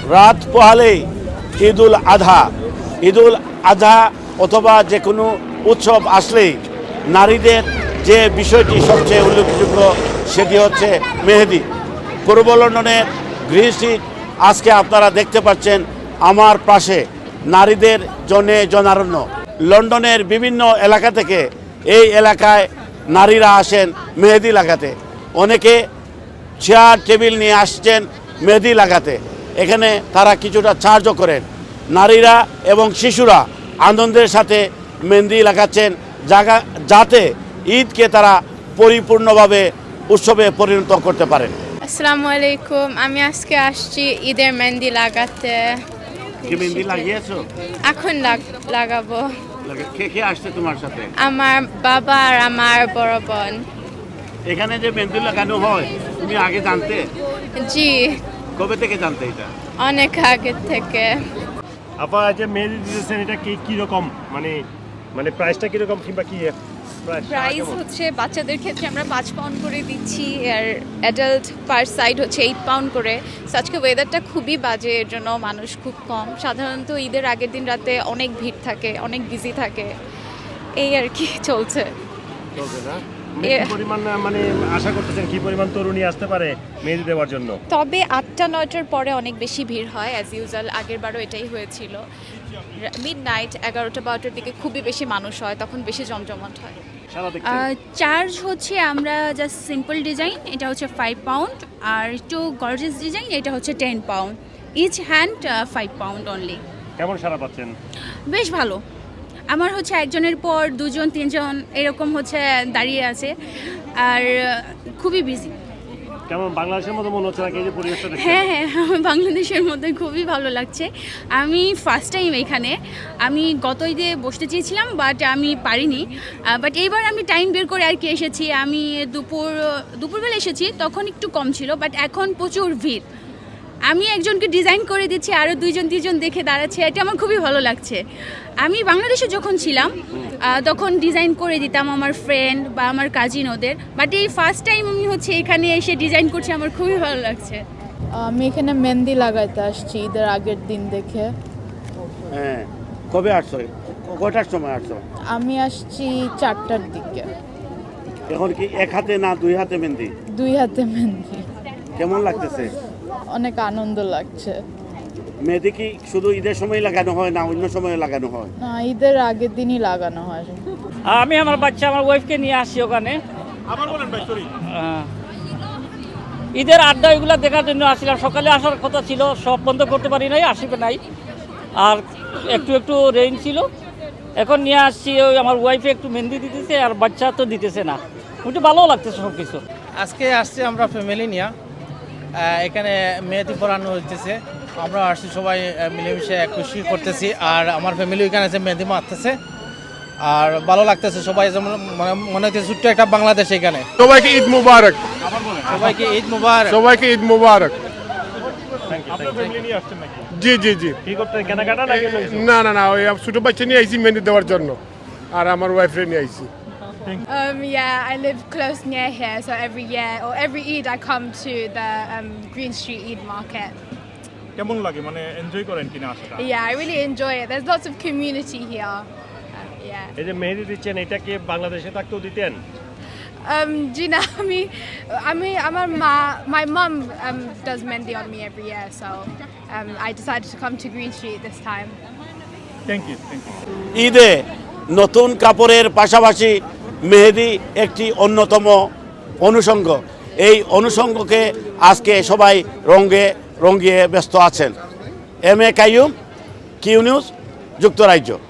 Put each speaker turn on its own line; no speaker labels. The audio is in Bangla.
রাত পোহালেই ঈদুল আধা অথবা যে কোনো উৎসব আসলেই নারীদের যে বিষয়টি সবচেয়ে উল্লেখযোগ্য সেটি হচ্ছে মেহেদি। পূর্ব লন্ডনের গ্রিন স্ট্রিট আজকে আপনারা দেখতে পাচ্ছেন আমার পাশে নারীদের জনারণ্য। লন্ডনের বিভিন্ন এলাকা থেকে এই এলাকায় নারীরা আসেন মেহেদি লাগাতে। অনেকে চেয়ার টেবিল নিয়ে আসছেন মেহেদি লাগাতে। এখানে তারা কিছুটা চার্জও করেন। নারীরা এবং শিশুরা আনন্দের সাথে মেহেদি লাগাচ্ছেন যাতে ঈদকে তারা পরিপূর্ণভাবে উৎসবে পরিণত করতে পারেন।
আসসালামু আলাইকুম, আমি আজকে আসছি ঈদের মেহেদি লাগাতে।
কি মেহেদি লাগিয়েছো?
এখন লাগাবো।
কে আসছে তোমার সাথে?
আমার বাবা আর আমার বড় বোন।
এখানে যে মেহেদি লাগানো হয় তুমি আগে জানতে?
জি,
কবে থেকে জানতে এটা?
অনেক আগে থেকে।
আপা যে মেহেদি দিতেছেন এটা কি রকম, মানে প্রাইসটা কি রকম কিংবা কি
প্রাইস হচ্ছে বাচ্চাদের ক্ষেত্রে আমরা 5 পাউন্ড করে দিচ্ছি, আর অ্যাডাল্ট পার সাইড হচ্ছে 8 পাউন্ড করে। আজকে ওয়েদারটা খুবই বাজে, এর জন্য মানুষ খুব কম। সাধারণত ঈদের আগের দিন রাতে অনেক ভিড় থাকে, অনেক বিজি থাকে, এই আর কি চলছে
না? কি পরিমাণ মানে আশা করতেছেন কি পরিমাণ তরুণী আসতে পারে মেহেদি দেওয়ার জন্য?
তবে 8টা-9টার পরে অনেক বেশি ভিড় হয়, অ্যাজ ইউজুয়াল। আগের বারও এটাই হয়েছিল। মিডনাইট 11টা-12টার দিকে খুবই বেশি মানুষ হয়, তখন বেশি জমজমাট হয়।
চার্জ হচ্ছে আমরা জাস্ট সিম্পল ডিজাইন, এটা হচ্ছে 5 পাউন্ড, আর একটু গর্জিয়াস ডিজাইন এটা হচ্ছে 10 pound. Each hand 5 pound only.
কেমন সারা পাচ্ছেন?
বেশ ভালো। আমার হচ্ছে একজনের পর 2-3 এরকম হচ্ছে দাঁড়িয়ে আছে, আর খুবই বিজি।
কেমন বাংলাদেশের মতো মনে হচ্ছে নাকি এই যে পরিবেশটা দেখতে?
হ্যাঁ, আমার বাংলাদেশের মধ্যে খুবই ভালো লাগছে। আমি ফার্স্ট টাইম এখানে। আমি গত ঈদে বসতে চেয়েছিলাম, বাট আমি পারিনি। বাট এইবার আমি টাইম বের করে আর কি এসেছি। আমি দুপুরবেলা এসেছি, তখন একটু কম ছিল, বাট এখন প্রচুর ভিড়। আমি একজনকে ডিজাইন করে দিচ্ছি, আরও 2-3জন দেখে দাঁড়াচ্ছে, এটা আমার খুবই ভালো লাগছে। আমি বাংলাদেশে যখন ছিলাম তখন ডিজাইন করে দিতাম আমার ফ্রেন্ড বা আমার কাজিন ওদের, বাট এই ফার্স্ট টাইম আমি হচ্ছে এখানে এসে ডিজাইন করছি, আমার খুবই ভালো লাগছে।
আমি এখানে মেহেদি লাগাইতে আসছি ঈদের আগের দিন দেখে।
হ্যাঁ, কবে আসছো? কটার সময় আসছো?
আমি আসছি 4টার দিকে।
এখন কি এক হাতে না 2 হাতে মেহেদি?
2 হাতে মেহেদি।
কেমন লাগতেছে?
অনেক আনন্দ লাগছে।
মেহেদি কি শুধু ঈদের সময় লাগানো হয় না অন্য সময় লাগানো হয়?
না, ঈদের আগের দিনই লাগানো হয়।
আমি আমার বাচ্চা আমার ওয়াইফকে নিয়ে আসছি ওখানে। ঈদের আড্ডা এগুলো দেখার জন্য আসছিলাম। সকালে আসার কথা ছিল, সব বন্ধ করতে পারি নাই, আসবে নাই। আর একটু রেইন ছিল, এখন নিয়ে আসছি। ওই আমার ওয়াইফে একটু মেহেন্দি দিতেছে, আর বাচ্চা তো দিতেছে না। একটু ভালো লাগতেছে সব কিছু।
আজকে আসছি আমরা ফ্যামিলি নিয়ে, এখানে মেহেদি পরানো হইতেছে। আমরা আসছি সবাই মিলেমিশে খুশি করতেছি, আর আমার ফ্যামিলি এখানে আছে মেহেদি মারতেছে, আর ভালো লাগতেছে। সবাই যেমন মনে হচ্ছে ছোট্ট একটা বাংলাদেশ এখানে।
সবাইকে ঈদ মুবারক।
সবাইকে ঈদ মুবারক।
সবাইকে ঈদ মুবারক।
আপনার ফ্যামিলি নিয়ে আসছেন নাকি?
জি জি জি।
কি করতে কেনাকাটা নাকি?
না ওই ছোট বাচ্চা নিয়ে আইছি মেহেদি দেওয়ার জন্য, আর আমার ওয়াইফরে নিয়ে আইছি।
Yeah, I live close near here, so every year or every Eid I come to the Green Street Eid Market.
কেমন লাগে, মানে এনজয় করেন কিনা আসাটা?
Yeah, I really enjoy it. There's lots of community here. Yeah.
এই যে মেহেদি দিচ্ছেন, এটা কি বাংলাদেশে থাকতেও দিতেন?
Do you know my mum does mehendi on me every year, so I decided to come to Green Street this time.
Thank you.
ঈদে নতুন কাপড়ের পাশাপাশি মেহেদি একটি অন্যতম অনুষঙ্গ। এই অনুষঙ্গকে আজকে সবাই রঙিয়ে ব্যস্ত আছেন। M A Qayyum, Q news, যুক্তরাজ্য।